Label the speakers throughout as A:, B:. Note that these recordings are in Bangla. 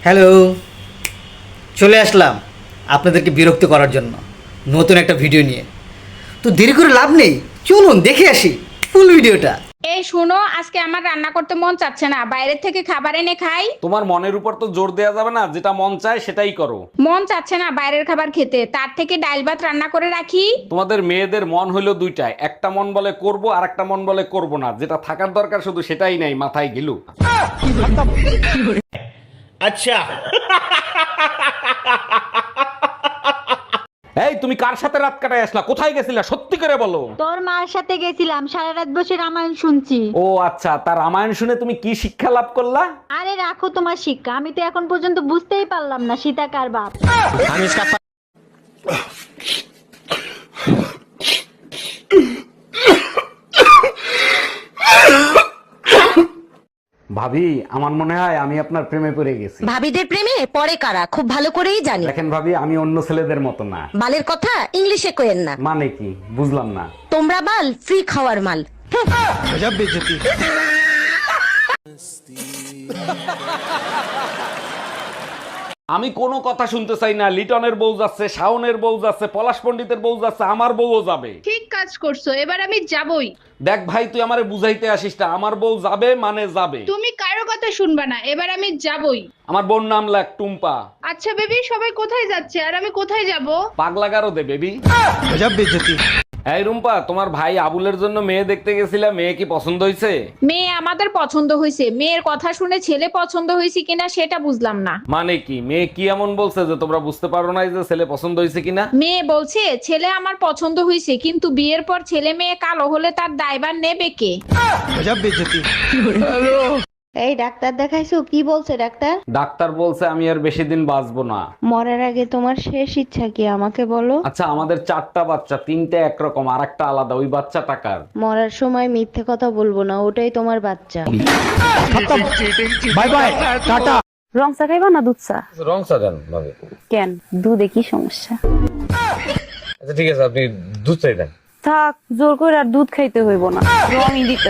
A: হ্যালো, চলে আসলাম আপনাদেরকে বিরক্ত করার জন্য নতুন একটা ভিডিও নিয়ে। তো দেরি করে লাভ নেই, চলুন দেখে আসি ফুল ভিডিওটা।
B: এই শুনো, আজকে আমার রান্না করতে মন চাচ্ছে না, বাইরের থেকে খাবার এনে খাই।
C: তোমার মনের উপর তো জোর দেয়া যাবে না, যেটা মন চায় সেটাই করো।
B: মন চাচ্ছে না বাইরের খাবার খেতে, তার থেকে ডাল ভাত রান্না করে রাখি।
C: তোমাদের মেয়েদের মন হইলো দুইটাই, একটা মন বলে করব আর একটা মন বলে করব না। যেটা থাকার দরকার শুধু সেটাই নাই, মাথায় গিলু।
D: अच्छा
C: এই তুমি কার সাথে রাত কাটায় আসলা? কোথায় গেছিলা সত্যি করে বলো।
E: তোর মার সাথে গেছিলাম, সারা রাত বসে রামায়ণ শুনছি।
C: ও আচ্ছা, তার রামায়ণ শুনে তুমি কি শিক্ষা লাভ করলা?
E: আরে রাখো তোমার শিক্ষা, আমি তো এখন পর্যন্ত বুঝতেই পারলাম না সীতা কার বাপ।
C: ভাবি, আমার মনে হয় আমি আপনার প্রেমে পড়ে গেছি।
F: ভাবিদের প্রেমে পরে কারা খুব ভালো করেই জানি।
C: দেখেন ভাবি, আমি অন্য ছেলেদের মতো না।
F: বালের কথা ইংলিশে কইেন না।
C: মানে কি বুঝলাম না।
F: তোমরা বাল ফ্রি খাওয়ার মাল।
C: আমি কোনো কথা শুনতে চাই না। লিটনের বউ যাচ্ছে, শাওনের বউ যাচ্ছে, পলাশ পণ্ডিতের বউ যাচ্ছে, আমার বউও যাবে।
B: ঠিক কাজ করছো, এবার আমি যাবই।
C: দেখ ভাই, তুই আমারে বুঝাইতে আসিস না। আমার বউ যাবে মানে যাবে।
B: তুমি কারো কথা শুনবা না, এবার আমি যাবই।
C: আমার বোন নাম লাগ টুম্পা।
B: আচ্ছা বেবি, সবাই কোথায় যাচ্ছে আর আমি কোথায় যাব?
C: পাগলা গারো দে বেবি। এই রুম্পা, তোমার ভাই আবুলের জন্য মেয়ে দেখতে গেছিলা, মেয়ে কি পছন্দ হয়েছে?
B: মেয়ে আমাদের পছন্দ হয়েছে, মেয়ের কথা শুনে ছেলে পছন্দ হয়েছে কিনা সেটা বুঝলাম না।
C: মানে কি, মেয়ে কি এমন বলছে যে তোমরা বুঝতে পারো না যে ছেলে পছন্দ হয়েছে কিনা?
B: মেয়ে বলছে ছেলে আমার পছন্দ হয়েছে, কিন্তু বিয়ের পর ছেলে মেয়ে কালো হলে তার দায়ভার নেবে কে?
E: এই ডাক্তার দেখাইছো? কি বলছে ডাক্তার?
C: ডাক্তার বলছে আমি আর বেশি দিন বাঁচবো না।
E: মরার আগে তোমার শেষ ইচ্ছা কি আমাকে বলো?
C: আচ্ছা, আমাদের 4টা বাচ্চা, 3টে একরকম আর একটা আলাদা। ওই বাচ্চা টাকার।
E: মরার সময় মিথ্যে কথা বলবো না, ওটাই তোমার বাচ্চা।
C: Bye bye, tata.
G: রং চা খাইবা না দুধ চা?
C: রং চা দেন ভাবে।
G: কেন, দুধে কি সমস্যা?
C: আচ্ছা ঠিক আছে, আপনি দুধ চাই দেন।
G: থাক, জোর করে আর দুধ খাইতে হইব না, রঙই দিতে।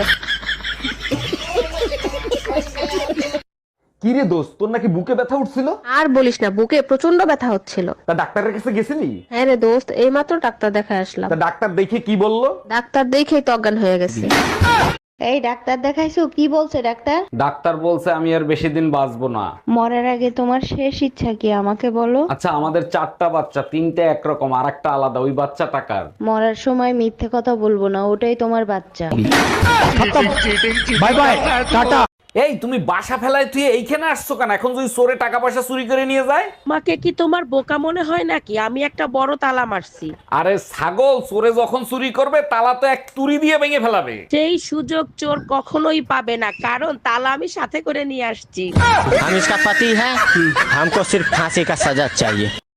C: কি রে দোস্ত, তোর নাকি বুকে ব্যথা উঠছিল?
H: আর বলিস না, বুকে প্রচন্ড ব্যথা হচ্ছিল।
C: তা ডাক্তারের কাছে গেছিলি?
H: হ্যাঁ রে দোস্ত, এইমাত্র ডাক্তার দেখায় আসলাম।
C: তা ডাক্তার দেখে কি বললো?
H: ডাক্তার দেখেই তো অজ্ঞান হয়ে গেছে।
E: এই ডাক্তার দেখাইছো? কি বলছে ডাক্তার?
C: ডাক্তার বলছে আমি আর বেশি দিন বাঁচবো না।
E: মরার আগে তোমার শেষ ইচ্ছা কি আমাকে বলো?
C: আচ্ছা, আমাদের 4টা বাচ্চা, 3টে একরকম আর একটা আলাদা। ওই বাচ্চা টাকার।
E: মরার সময় মিথ্যে কথা বলবো না, ওটাই তোমার বাচ্চা।
C: Bye bye, tata. এই তুমি বাসা ফেলায় তুই এইখানে আসছো কেন? এখন যদি চোরে টাকা পয়সা চুরি করে নিয়ে যায়?
I: মাকে কি তোমার বোকা মনে হয় নাকি? আমি একটা বড় তালা মারছি।
C: আরে ছাগল, চোরে যখন চুরি করবে তালা তো এক তুড়ি দিয়ে ভেঙে ফেলাবে।
I: সেই সুযোগ চোর কখনোই পাবে না, কারণ তালা আমি সাথে করে নিয়ে আসছি।
J: हम इसका पति है, हमको सिर्फ फांसी का सजा चाहिए।